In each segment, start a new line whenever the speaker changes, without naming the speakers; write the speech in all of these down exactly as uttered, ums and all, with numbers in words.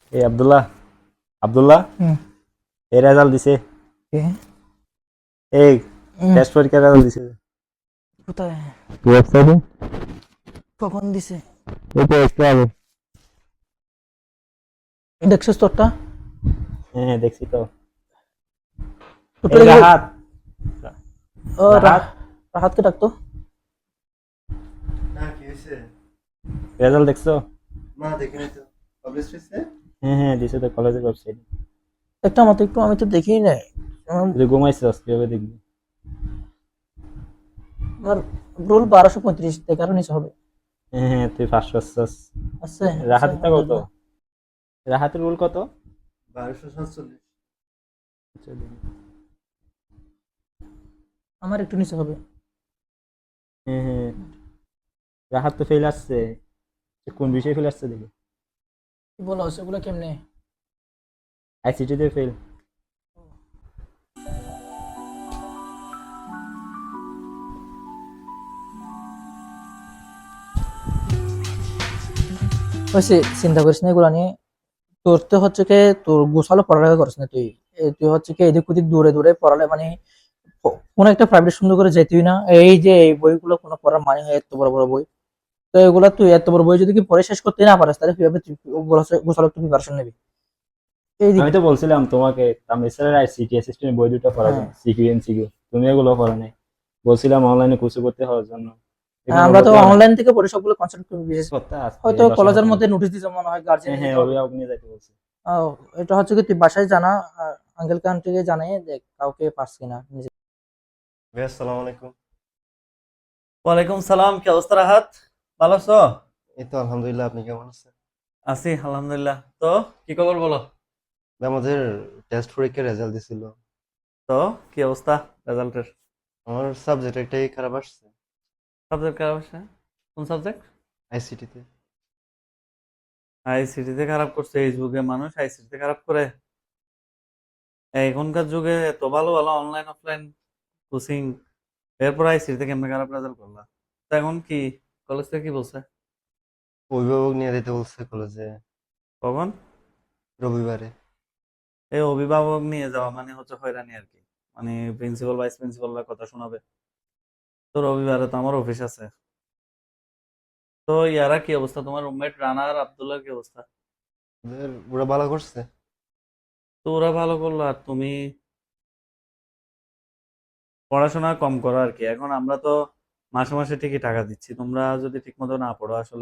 এই আব্দুল্লাহ আব্দুল্লাহ
হুম
এই রেজাল্ট দিছে।
কে
এই
হুম
টেস্ট পরীক্ষার রেজাল্ট দিছে
কোথায়
ওয়েবসাইটে।
কখন দিছে
এই তো একটু আগে।
দেখছিস তোরটা
হ্যাঁ দেখছি তো।
তোরটা
এই
দেখে
রাহাত
ও
রাহাত
রাহ রাহাতকে ডাকতো।
না কি হয়েছে?
রেজাল্ট দেখছো?
না দেখিনি তো। পাবলিশ হয়েছে?
হ্যাঁ হ্যাঁ দিছে তো কলেজের ওয়েবসাইট।
একটা মতো একটু আমি তো দেখিই নাই। আমার
তুই ঘুমাইছিস কিভাবে দেখবি?
আমার রোল বারোশো পঁয়ত্রিশ এগারো নিচে হবে।
হ্যাঁ হ্যাঁ তুই ফার্স্ট আসছিস।
আছে আছে
রাহাতেরটা কত?
আলহামদুলিল্লাহ।
রাহাতের রোল কত?
বারোশো সাতচল্লিশ।
আমার একটু নিচে হবে।
হ্যাঁ হ্যাঁ রাহাত তো ফেল আসছে। সে কোন বিষয়ে ফেল আসছে দেখি।
কি বলো সেগুলো কেমনে?
আইসিটিতে ফেল।
হয়েছে, চিন্তা করিস না এগুলো নিয়ে। তোর তো হচ্ছে কি, তোর গোছালো পড়ালেখা করিস না তুই। এ তুই হচ্ছে কি এদিক ওদিক দূরে দূরে পড়ালে মানে ক- কোনো একটা প্রাইভেট সুন্দর করে যেতেই না। এই যে এই বইগুলো কোনো পড়ার মানে হয়, এত বড় বড় বই। তো এগুলা তুই এত বড় বই যদি কি পড়ে শেষ করতে না পারিস, তাহলে কিভাবে তুই গোছালো গোছালো একটু প্রিপারেশন নিবি? এইদিক
আমি তো বলছিলাম তোমাকে তামিল স্যারের আইসিটি অ্যাসিস্ট্যান্ট বই দুটো পড়ার
হ্যাঁ
জন্য, সিকিউ এমসিকিউ। তুমি এগুলো পড়ো নাই। বলছিলাম অনলাইনে কোর্স করতে হওয়ার জন্য।
হ্যাঁ,
এখানে
আমরা তো
ভর্তি হও নাই।
অনলাইন থেকে পড়ে সবগুলো কনসেপ্ট বিশেষ
করতে আসতে
হয়তো
দশ হাজার
কলেজের
টাকা।
মধ্যে নোটিশ দিতে মনে হয় গার্জিয়ান
হ্যাঁ হ্যাঁ
দিতে হবে।
অভিভাবক নিয়ে যাইতে বলছে।
আহ, এটা হচ্ছে কি তুই বাসায় জানা, আঙ্কেল কান্ট্রিকে জানিয়ে দেখ কাউকে পাস কিনা নিজে।
ভাই আসসালামু আলাইকুম।
ওয়ালাইকুম সালাম, কি অবস্থা রাহাত? ভালো আছো?
এই তো আলহামদুলিল্লাহ, আপনি কেমন আছেন?
আছি আলহামদুলিল্লাহ। তো কি খবর বলো?
ভাই, আমাদের টেস্ট পরীক্ষার রেজাল্ট দিছিল।
তো কি অবস্থা রেজাল্টের?
আমার সাবজেক্ট একটাই খারাপ আসছে,
সাবজেক্ট খারাপ আসে? কোন সাবজেক্ট?
আইসিটিতে।
আইসিটিতে খারাপ করছে? এই যুগে মানুষ আইসিটিতে খারাপ করে? এখনকার যুগে এত ভালো ভালো অনলাইন অফলাইন কোচিং, এরপর আইসিটিতে কেমনে খারাপ রেজাল্ট করলা? তো এখন কি কলেজ থেকে কি বলছে?
অভিভাবক নিয়ে দিতে বলছে কলেজে
কখন?
রবিবারে।
এই অভিভাবক নিয়ে যাওয়া মানে হচ্ছে হয়রানি আর কি। মানে প্রিন্সিপাল ভাইস প্রিন্সিপালরা কথা শোনাবে। তো রবিবারে তো আমার অফিস আছে। তো ইয়ারা কি অবস্থা, তোমার রুমমেট রানা আর আব্দুল্লাহর কি অবস্থা?
ওদের ওরা ভালো করছে।
তো ওরা ভালো করলো আর তুমি পড়াশোনা কম করো আর কি। এখন আমরা তো মাসে মাসে ঠিকই টাকা দিচ্ছি, তোমরা যদি ঠিক মতো না পড়ো আসলে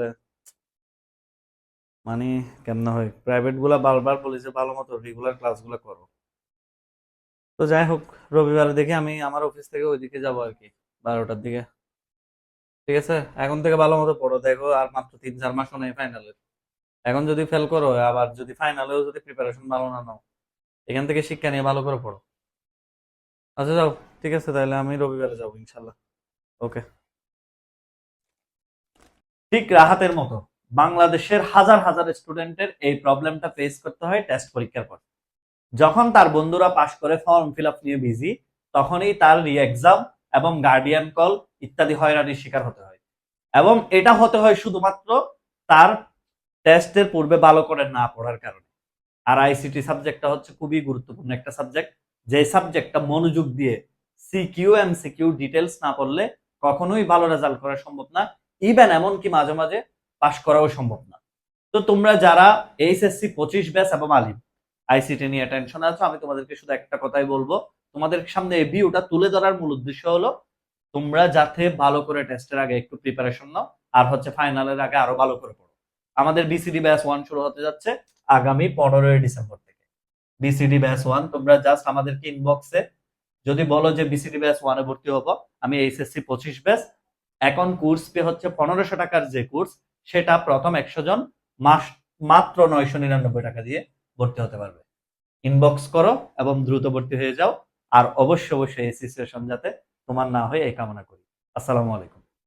মানে কেমন হয়। প্রাইভেট গুলা বারবার বলি যে ভালো মতো রেগুলার ক্লাসগুলো করো। তো যাই হোক, রবিবারে দেখি আমি আমার অফিস থেকে ওইদিকে যাবো আর কি, বারোটার দিকে। ঠিক আছে, এখন থেকে ভালো মতো পড়ো। দেখো আর মাত্র তিন চার মাস নেই ফাইনালের। এখন যদি ফেল করো, আবার যদি ফাইনালেও যদি প্রিপারেশন ভালো না নাও, এখান থেকে শিক্ষা নিয়ে ভালো করে পড়ো। আচ্ছা যাও, ঠিক আছে তাহলে আমি রবিবারে যাবো ইনশাল্লাহ। ওকে। ঠিক রাহাতের মতো বাংলাদেশের হাজার হাজার স্টুডেন্টের এই প্রবলেমটা ফেস করতে হয় টেস্ট পরীক্ষার পর। যখন তার বন্ধুরা পাশ করে ফর্ম ফিল আপ নিয়ে বিজি, তখনই তার রি এক্সাম এবং গার্ডিয়ান কল ইত্যাদি হয়রানির শিকার হতে হয়। এবং এটা হতে হয় শুধুমাত্র তার টেস্টের পূর্বে ভালো করে না পড়ার কারণে। আর আইসিটি সাবজেক্টটা হচ্ছে খুবই গুরুত্বপূর্ণ একটা সাবজেক্ট, যে সাবজেক্টটা মনোযোগ দিয়ে সিকিউ এমসিকিউ ডিটেলস না পড়লে কখনোই ভালো রেজাল্ট করা সম্ভব না। ইভেন এমনকি মাঝে মাঝে পাশ করাও সম্ভব না। তো তোমরা যারা এইচএসসি পঁচিশ ব্যাচ এবং আলিম আইসিটি নিয়ে টেনশন আছো, আমি তোমাদেরকে শুধু একটা কথাই বলবো, তোমাদের সামনে এই ভিউটা তুলে ধরার মূল উদ্দেশ্য হলো তোমরা যাতে ভালো করে টেস্টের আগে একটু প্রিপারেশন নাও, আর হচ্ছে ফাইনালের আগে আরো ভালো করে পড়ো। আমাদের বিসিডি ব্যাচ ওয়ান শুরু হতে যাচ্ছে আগামী পনেরোই ডিসেম্বর থেকে। বিসিডি ব্যাচ ওয়ান তোমরা জাস্ট আমাদেরকে ইনবক্সে যদি বলো যে বিসিডি ব্যাচ ওয়ানে ভর্তি হবো, আমি এইচএসসি পঁচিশ ব্যাচ এখন কোর্স পে হচ্ছে পনেরোশো টাকার যে কোর্স, সেটা প্রথম একশো জন মাস মাত্র নয়শো নিরানব্বই টাকা দিয়ে ভর্তি হতে পারবে। ইনবক্স করো এবং দ্রুত ভর্তি হয়ে যাও। আর অবশ্যই অবশ্যই এই সিচুয়েশন যাতে তোমার না হয় এই কামনা করি। আসসালামু আলাইকুম।